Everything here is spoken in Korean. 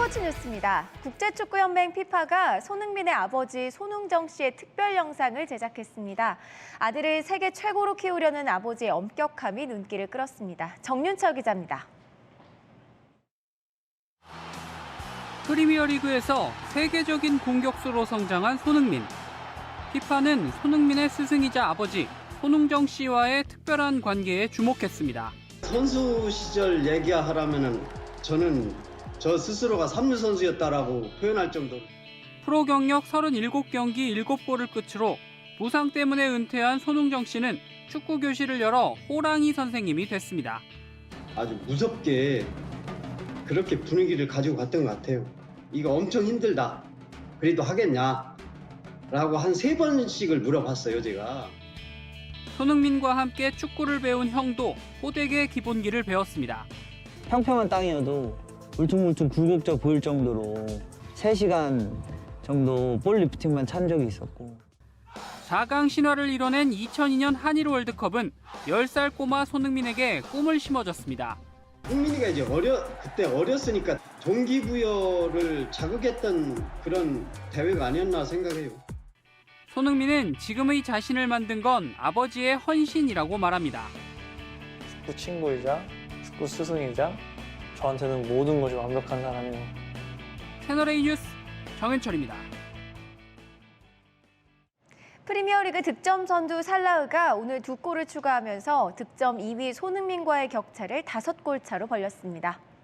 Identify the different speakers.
Speaker 1: 스포츠 뉴스입니다. 국제축구연맹 피파가 손흥민의 아버지 손흥정 씨의 특별 영상을 제작했습니다. 아들을 세계 최고로 키우려는 아버지의 엄격함이 눈길을 끌었습니다. 정윤철 기자입니다.
Speaker 2: 프리미어리그에서 세계적인 공격수로 성장한 손흥민. 피파는 손흥민의 스승이자 아버지 손흥정 씨와의 특별한 관계에 주목했습니다.
Speaker 3: 선수 시절 얘기하라면은 저는 저 스스로가 삼류 선수였다라고 표현할 정도로.
Speaker 2: 프로 경력 37경기 7골을 끝으로 부상 때문에 은퇴한 손흥정 씨는 축구 교실을 열어 호랑이 선생님이 됐습니다.
Speaker 3: 아주 무섭게 그렇게 분위기를 가지고 갔던 것 같아요. 이거 엄청 힘들다. 그래도 하겠냐? 라고 한 3번씩을 물어봤어요, 제가.
Speaker 2: 손흥민과 함께 축구를 배운 형도 호되게 기본기를 배웠습니다.
Speaker 4: 평평한 땅이어도 울퉁불퉁 굴곡져 보일 정도로 3시간 정도 볼 리프팅만 찬 적이 있었고.
Speaker 2: 4강 신화를 이뤄낸 2002년 한일 월드컵은 10살 꼬마 손흥민에게 꿈을 심어줬습니다.
Speaker 3: 흥민이가 이제 그때 어렸으니까 동기부여를 자극했던 그런 대회가 아니었나 생각해요.
Speaker 2: 손흥민은 지금의 자신을 만든 건 아버지의 헌신이라고 말합니다.
Speaker 5: 축구 친구이자 축구 스승이자 저한테는 모든 것이 완벽한 사람이에요.
Speaker 2: 채널A 뉴스 정현철입니다.
Speaker 1: 프리미어리그 득점 선두 살라흐가 오늘 2골을 추가하면서 득점 2위 손흥민과의 격차를 5골 차로 벌렸습니다.